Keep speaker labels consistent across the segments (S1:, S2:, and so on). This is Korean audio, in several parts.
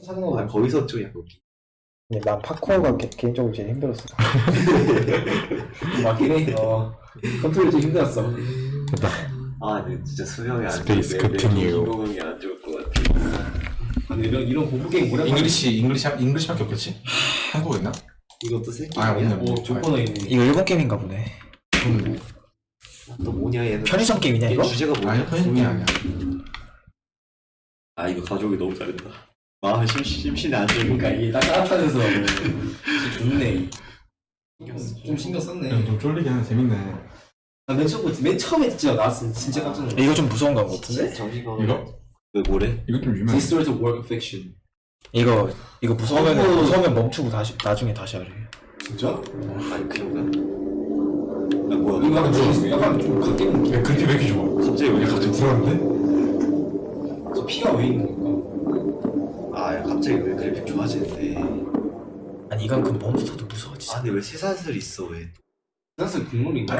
S1: 아, 거기서 좀 약간 웃기.
S2: 근데 난 파쿠어가 개인적으로 제일 힘들었어.
S3: 맞긴 해. 컨트롤이 좀 힘들었어.
S1: 아, 근데 진짜 수명이 안
S4: Space
S1: 좋은데
S4: continue.
S1: 인공이 안 좋을 것 같아.
S3: 근데 이런 공부 게임 오랜만에.
S4: 잉글리시밖에 없겠지? 한국어 있나?
S1: 이것도 새끼.
S4: 아, 없네.
S3: 오, 조건어 있네.
S2: 이거 일본 게임인가 보네.
S1: 또 뭐냐 얘는.
S2: 편의점 게임이냐 이거?
S1: 주제가 뭐냐?
S4: 아니, 편집이 아니야.
S1: 아, 이거 가족이 너무 잘했다. 마음이 심신이 안
S3: 그러니까
S1: 좋으니까.
S3: 이게 딱 따뜻하면서 좋네. 좀 신경 썼네.
S4: 좀 쫄리긴 하네. 재밌네.
S3: 맨 처음에 진짜 나왔을 때 진짜 깜짝 놀랐어.
S2: 이거 좀 무서운 거 같은데?
S1: 정신가.
S4: 이거?
S1: 왜 뭐래?
S4: 이거 좀 유명해.
S3: This story is a work of fiction.
S2: 이거 무서우면 멈추고 나중에 다시 하래.
S3: 진짜?
S1: 아니 그 정도야? 아 뭐야?
S3: 이거 약간 좀 갓게 느낌.
S4: 야, 그렇게 왜 이렇게 좋아?
S1: 갑자기 왜 이렇게
S4: 갑자기 불안한데?
S3: 저 피가 왜 있는 건가?
S1: 아, 야, 갑자기 왜 그래픽 좋아지는데?
S2: 아니 이건 그 몬스터도 무서워지지.
S1: 아, 근데 왜 쇠사슬 있어 왜?
S3: 사실 국룰인가?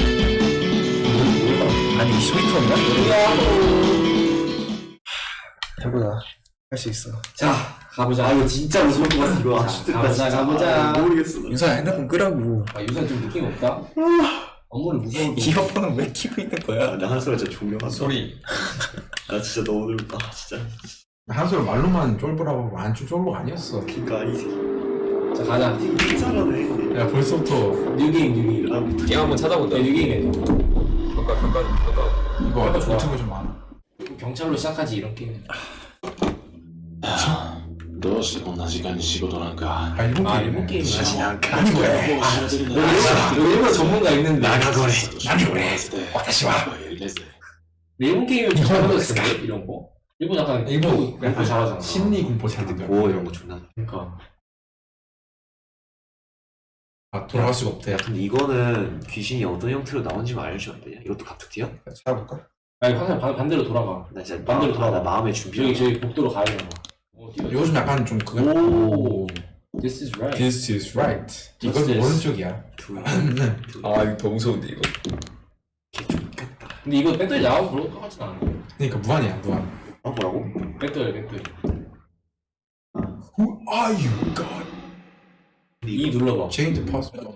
S2: 아니 스위트홈이야? 해보자. 할 수 있어.
S3: 자, 가보자. 아, 이거 진짜 무서울 것 같아.
S1: 이거
S3: 가보자.
S1: 모르겠어. 나.
S2: 윤서야 핸드폰 끄라고.
S3: 아, 유산 좀 느낌 없다? 업무를 무서워도.
S2: 이어폰은 왜 키고 있는 거야?
S1: 아, 나 한솔아 진짜 존경한다.
S4: 소리.
S1: 나 진짜 너무 늙다 진짜.
S4: 한솔 말로만 쫄보라고 하고 안쫄 쫄보가 아니었어.
S1: 그니까 이 새끼
S3: 자, 가자.
S1: 되게 잘하네.
S4: 야, 벌써부터
S3: 뉴게임.
S1: 나부터
S5: 게임 한번 찾아본다.
S3: 네, 뉴게임에
S5: 평가.
S4: 이거
S3: 좋아.
S4: 유튜브 좀 많아.
S3: 경찰로 시작하지, 이런 게임.
S6: どうしてこんな時間に仕事なんか
S4: 아, 일본
S3: 아,
S4: 게임이네.
S3: 일본 게임이야.
S4: 그냥
S6: 아니 왜
S3: 일본 전문가 있는데. 일본 게임을 좀 잘하는 데 이런 거? 일본 약간
S4: 일본
S3: 공부 잘하잖아.
S4: 심리 공포 잘하는데.
S1: 고 이런 거 존나.
S3: 그러니까.
S4: 아, 돌아갈 수가 없대.
S1: 야, 근데 이거는 귀신이 어떤 형태로 나온지만 알려주면 안 되냐? 이것도 갑툭튀야?
S4: 찾아볼까?
S3: 아니, 항상 반대로 돌아가.
S1: 나 진짜
S3: 반대로
S1: 나
S3: 돌아가.
S1: 마음의 준비.
S3: 저기 복도로 가야 되는 거.
S4: 이거 좀 약간 좀 그거.
S3: 오. This is right.
S4: This is right. 이건
S3: What's this?
S4: 오른쪽이야.
S5: 아 이거 더 무서운데 이거.
S3: 근데 이거 배터리 나오고 그럴 것 같진 않아.
S4: 그러니까 무한이야, 무한.
S1: 아 뭐라고?
S3: 배터리.
S4: Who are you, God?
S3: E 눌러봐.
S4: Change the password.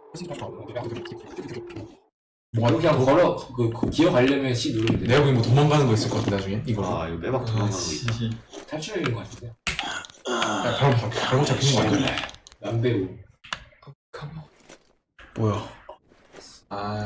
S3: 이거 그냥 걸어, 그 기어가려면 C 누르면 돼.
S4: 내가 보기엔 뭐 도망가는 거 있을 것 같은데 나중에 이거.
S1: 아 이거 빼박 도망가는 거 있다.
S3: 탈출인 것 같은데.
S4: 야, 바로 잡히는 거 아니야?
S3: 남배우.
S2: 뭐야?
S5: 아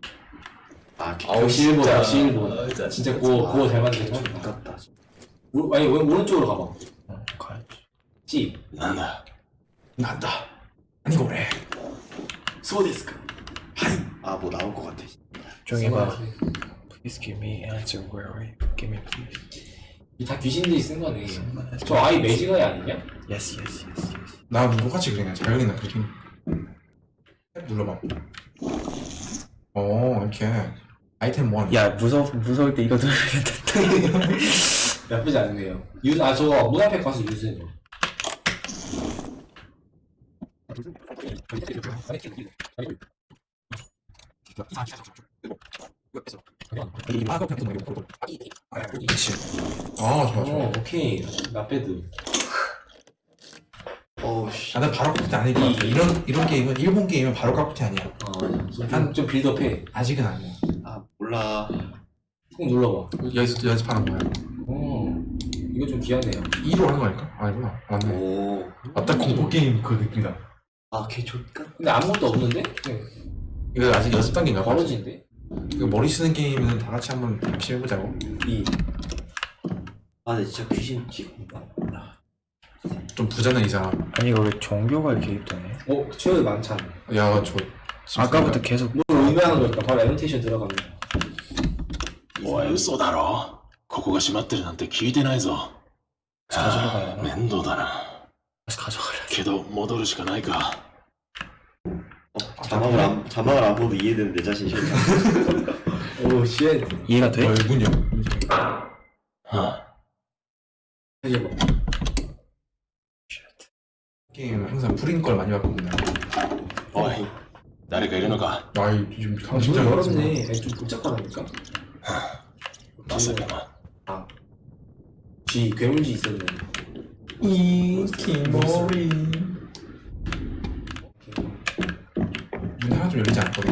S3: 역시 일본, 역시 일본.
S5: 진짜
S3: 진짜 그거 잘 만들었어.
S1: 아깝다.
S3: 아니, 오른쪽으로 가봐.
S2: 가야지.
S3: C.
S6: なんだ
S4: 난다. 아니고 그래.
S1: 소데스카. 아 뭐 나올 것 같아.
S2: 조용히 봐. Please give me answer where are you? Give me please.
S3: 이다 귀신들이 쓴 거네. 저 아이 매직아이 아니냐?
S2: Yes.
S4: 나 똑같이 그래. 그냥 자연이나 그렇게. 탭 눌러봐. 이렇게. 아이템 1.
S2: 야 무서울 때 이거 들으면 된다.
S3: 나쁘지 않네요. 저거 문 앞에 가서 유세요.
S4: 그치. 좋아.
S3: 오케이. 나빼드.
S1: 어우씨.
S4: 난 바로 깍두기 아닐 것 같아. 이런 게임은, 일본 게임은 바로 깍두기 아니야.
S3: 좀 빌드업해.
S4: 아직은 아니야.
S1: 아 몰라.
S3: 꾹 눌러봐.
S4: 연습하는 거야.
S3: 이거 좀 귀하네요.
S4: 2로 하는 거 아닐까? 아니구나. 맞네.
S1: 오.
S4: 맞다, 공포 게임 그 느낌이다.
S1: 아걔 좋까?
S3: 근데 아무것도 없는데? 그냥
S4: 이거 아직 연습 단계인가 봐.
S3: 벌어진데?
S4: 이거 머리 쓰는 게임은 다 같이 한번 같이 해보자고.
S1: 아 근데 진짜 귀신 지금.
S4: 좀 부자는 이 사람.
S2: 아니 이거 왜 종교가 개입되네?
S3: 최근에 많잖아.
S4: 야,
S2: 아까부터 계속
S3: 뭘 의미하는 걸까? 바로 애노테이션 들어가면.
S6: おい嘘だろここが閉まってるなんて聞いてないぞ
S2: 가져러 가야 되나?
S6: 面倒だな
S2: 다시 가져가려.
S6: けど戻るしかないか
S1: 자막을 안 보도 이해되는 내 자신 싫다.
S3: 오, 쉣.
S2: 이해가 돼?
S4: 문요.
S6: あ
S3: 해줘봐.
S4: 게임 항상 프린 걸 많이 바꾼다.
S6: おい誰かいるのか
S4: 아, 지금
S3: 문
S4: 진짜
S3: 열었네. 아니, 좀 복잡하다니까?
S6: まさかな
S3: G, 괴물쥐 있었네.
S4: 이키모리. 문 하나 좀 열리지 않거든.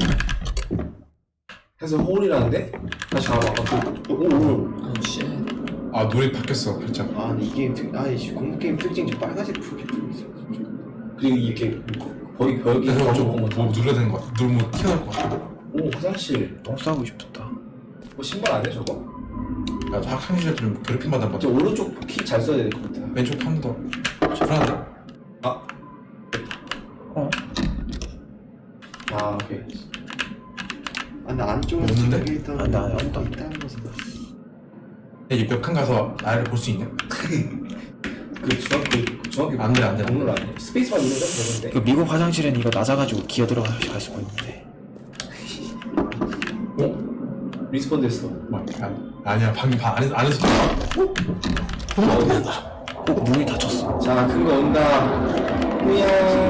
S3: 해서 홀이라는데? 다시 가봐. 오.
S4: 아 노래 바뀌었어 살짝.
S1: 아니 이 게임 아니 공포 게임 특징이 빨간색 불빛 있어.
S3: 그리고 이렇게 거의 벽이
S4: 그래서
S3: 엄청
S4: 뭐
S3: 검은.
S4: 눌러야 되는 거 같아. 누르면 튀어나올 것 같아.
S3: 오 화장실.
S2: 똥 싸고 싶다.
S3: 뭐 신발 안 해 저거?
S4: 야 학창시절 좀 괴롭힘 받아 봐.
S3: 저 오른쪽 키 잘 써야 될 것 같아.
S4: 왼쪽 한 더. 불안해.
S3: 아.
S2: 어?
S3: 아 오케이.
S1: 아 근데 안쪽에
S4: 없는데?
S1: 저기 있다고.
S2: 아, 나 아무도 안
S1: 있다는 거서.
S4: 야, 옆칸 가서 나를 볼 수 있냐?
S3: 그 중학교
S4: 안 돼, 안 돼, 안 돼.
S3: 공을 안 해. 스페이스만 누르면
S2: 그
S3: 되는데.
S2: 미국 화장실엔 이거 낮아가지고 기어 들어갈 수가 있는데.
S3: 어? 리스폰드 했어.
S4: 뭐, 아니야 방금 안에서
S2: 문이 닫혔어.
S3: 자, 큰 거 온다. 뭐야?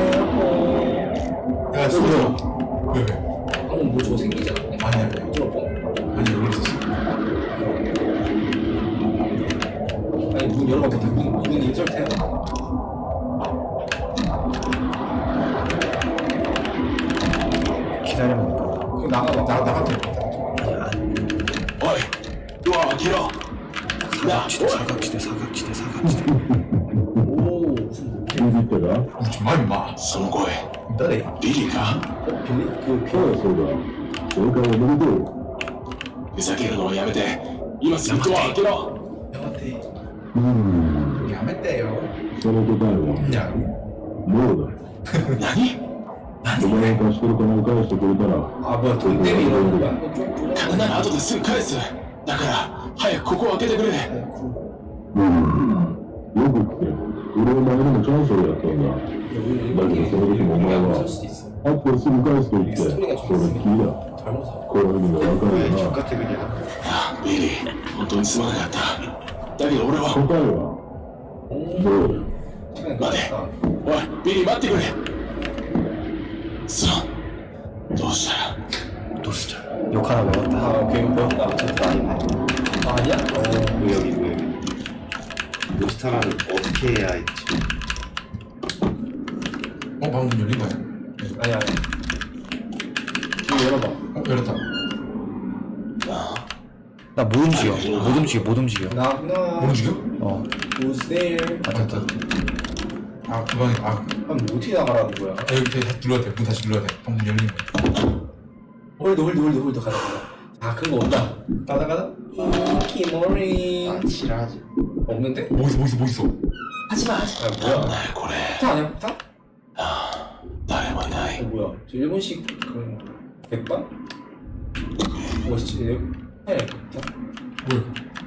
S4: 야 소리야. 왜?
S3: 뭐 저거 생기지 않았냐?
S4: 아니야. 아니 여기 있었어.
S3: 아니 문 열어봐. 문 인설트 해봐.
S2: 기다리면 뭐.
S3: 그럼 나가봐.
S4: 나갔다.
S6: 어이, 와 길어.
S2: 사각지대.
S3: 오, 무슨 뭐?
S4: 우지 마 임마.
S6: その声、
S4: 너네.
S6: ビリーか？
S3: 빌리? 그
S6: ふざけるのをやめて、今すぐドア開けろ。
S4: 야매떼요.
S7: その答えは
S4: 야.
S7: ノーだ。
S6: 何？
S7: お前が貸してる金を返してくれたら、
S3: 아 뭐야 돈 때문에 이러는 거야? 좀
S6: 金なら後ですぐ返す。だから早くここを開けてくれ。
S7: よく聞け。俺は前にもチャンスをやったんだ。だけどその時もお前は、
S3: 할 수도 있어.
S7: あとですぐ返すと言って、それっきりだ。
S3: 잘못하.
S7: この意味がわかるよな。
S1: 똑같아 그냥.
S6: あビリー、本当にすまなかった。だけど俺は。
S7: 答えは、どうだ。
S3: 시간이
S6: 待て。
S3: 끝났다.
S6: おい、ビリー待ってくれ。さあ、どうしたら。
S2: 노스자. 욕 하나 외웠다.
S3: 아 오케이 배웠다. 아, 아니야?
S1: 무역이. 로스타라는 어떻게 해야 했지?
S4: 방금 열린 거야.
S3: 아니야. 이거 열어봐.
S4: 열렸다.
S2: 나 못 움직여.
S3: Knock knock.
S4: 뭐 움직여?
S2: 어.
S3: Who's there?
S4: 됐다. 아 그방에
S3: 아니 뭐 어떻게 나가라는 거야?
S4: 여기 다시 눌러야 돼. 문 다시 눌러야 돼. 방금 열린 거야.
S3: 홀드 가자. 아 큰 거 온다. 가자. 키모리.
S1: 아 지랄하지.
S3: 없는데?
S4: 뭐 있어?
S3: 하지마. 아
S6: なん
S3: 뭐야?
S6: だよこれ。
S3: 폭탄 아니야 폭탄?
S6: 誰もいな
S3: 어
S6: い。
S3: 뭐야? 저 일본식 그런 백반? 뭐 진짜 아니야 폭탄?
S4: 뭐야?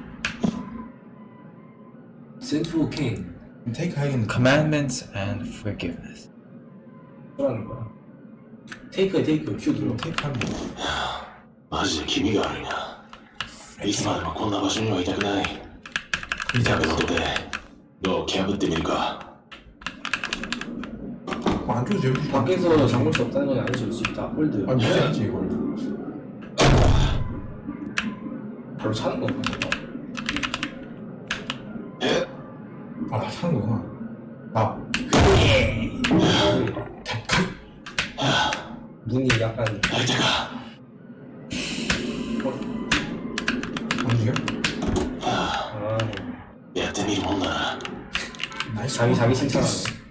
S3: 센트로 킹.
S4: 테이크 하겠는데.
S2: Commandments and forgiveness.
S3: 뭐라는 거야? 테이크 큐 눌러.
S4: 테이크 하는 거.
S6: マジで気味が悪いな。いつまでもこんな場所にはいたくない。
S4: 이제
S6: だけどで、ドアを破ってみるか。
S4: 안 줘도 되고.
S3: 밖에서 잠글 수 없다는 건 아니지 수 있다. 홀드.
S4: 아니 무슨 얘기지 이걸.
S3: 바로 차는 건가?
S6: え
S4: 아 사는 거구나. 아
S3: 문이 약간
S6: 開いたか。
S4: 안 죽여?
S3: 아
S6: やってみるもんだな。
S4: 나이스.
S3: 자기 칭찬.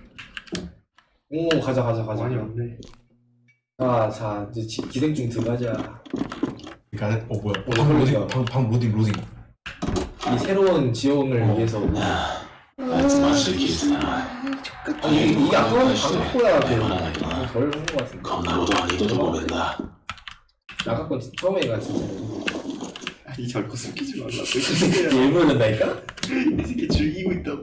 S3: 오 가자.
S1: 많이 왔네.
S3: 자 이제 기생충 들어가자.
S4: 그러니까 뭐야?
S3: 홀드야.
S4: 방 로딩.
S3: 이 새로운 지형을 위해서.
S6: あいつマジで切れてたな。
S3: 아니 이게 아까는 방콕보다
S6: 謝らないとな。
S3: 덜 한 것 같은데.
S6: こんなことは二度とごめんだ。
S3: 아까 건 처음에가 진짜.
S1: 아니 자꾸 숨기지 말라고.
S3: 일부러 그런다니까?
S1: 이 새끼 즐기고 있다고.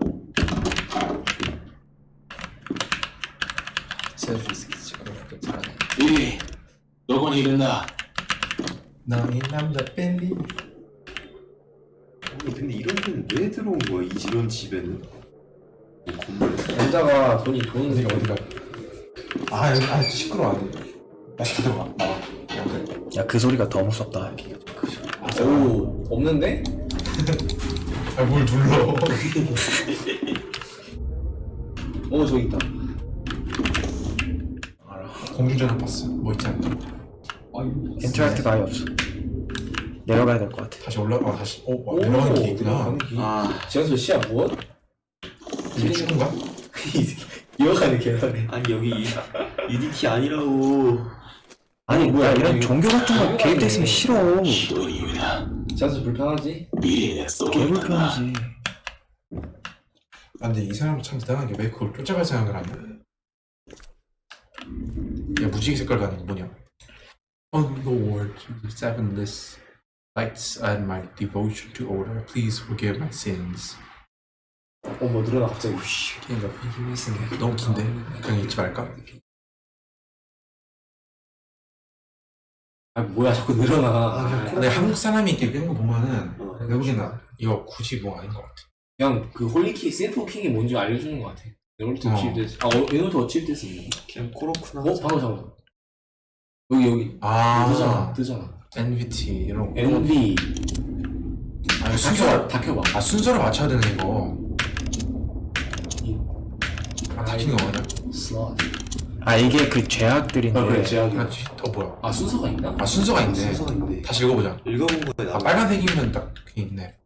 S6: ビリー、どこにいるんだ。
S4: 나의 남자 밴디.
S1: 아니 근데 이런 데는 왜 들어온 거야? 이런 집에는? 뭐 건물에?
S3: 남자가 돈이
S4: 어디가? 아 시끄러워. 나 들어가. 나와.
S2: 야 그 소리가 더 무섭다.
S3: 오 없는데?
S4: 뭘 눌러?
S3: 저기 있다.
S4: 공중전화 봤어. 뭐 있지 않나?
S2: 인터랙티브 아예 없어. 내려가야 될 것 같아.
S4: 다시 올라가 다시. 와, 내려가는 게 있구나.
S1: 아
S3: 지하철 시야 무엇?
S4: 이게 축구인가?
S3: 이어가는 계산해.
S1: 아니 여기 UDT 아니라고.
S2: 아니 뭐야 이런 종교 같은 거
S3: 아니,
S2: 개입돼 있으면
S3: 아니.
S2: 싫어.
S6: ひどい夢だ
S3: 지하철 불편하지?
S6: ミリーネスと
S2: 개불편하지.
S4: 아, 근데 이 사람 참 대단한 게 왜 그걸 쫓아갈 생각을 하냐? 야, 무지개 색깔 가는 게 뭐냐? Oh Lord, the seven lights and my devotion to order, please forgive my sins.
S3: 뭐 늘어나 갑자기.
S4: 그러니까 너무 긴데? 그냥 읽지 말까?
S3: 아 뭐야 자꾸 늘어나.
S4: 근데 한국 사람이 이렇게 뺀거 보면은 내가 보기엔 이거 굳이 뭐 아닌 것 같아.
S3: 그냥 그 홀리킥 센터킹이 뭔지 알려주는 것 같아. 얘네부터 어치입됐어. 얘네부터 어치입됐어.
S1: 그냥 코로쿠나.
S3: 방금 잠깐. 여기
S4: 아,
S3: 뜨잖아.
S4: NVT 이런 거.
S3: NV.
S4: 아, 이거 순서를
S3: 다 켜봐.
S4: 아 순서를 맞춰야 되는 이거. 다 켜는 거 맞아?
S3: 슬롯.
S2: 아 이게 그 죄악들인데.
S3: 그래 제약이.
S4: 그렇지. 뭐야?
S3: 아 순서가 있나?
S4: 아 순서가 있네.
S1: 순서가 있네.
S4: 다시 읽어보자.
S1: 읽어본 거에
S4: 아
S1: 나와.
S4: 빨간색이면 딱 그게 있네.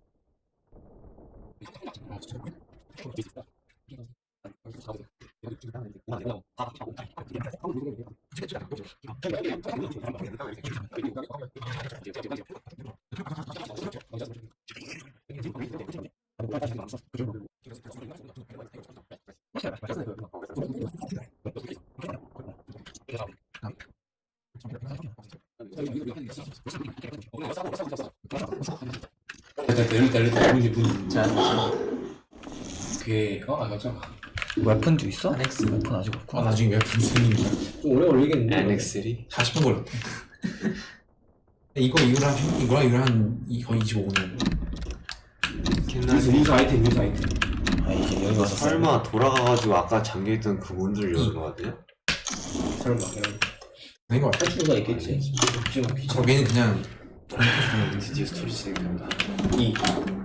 S3: 일단 분. 그게 잠깐.
S2: 웨폰도 있어? 웨폰 아직
S4: 아
S2: 없구나.
S4: 나중에 왜 분생인 거야?
S3: 좀 오래 걸리겠는데.
S1: NX3.
S4: 40분 걸렸대. 이거랑 거의 25분.
S3: 뉴스 아이템.
S2: 아 이제 여기 와서
S1: 설마 돌아가가지고 아까 잠겨있던 그 문들을 여는 거 같아요?
S3: 설마.
S4: 아닌 것 같아.
S3: 탈출구가 있겠지.
S4: 거기는 그냥
S1: 드디어 스토리 진행된다.
S3: 2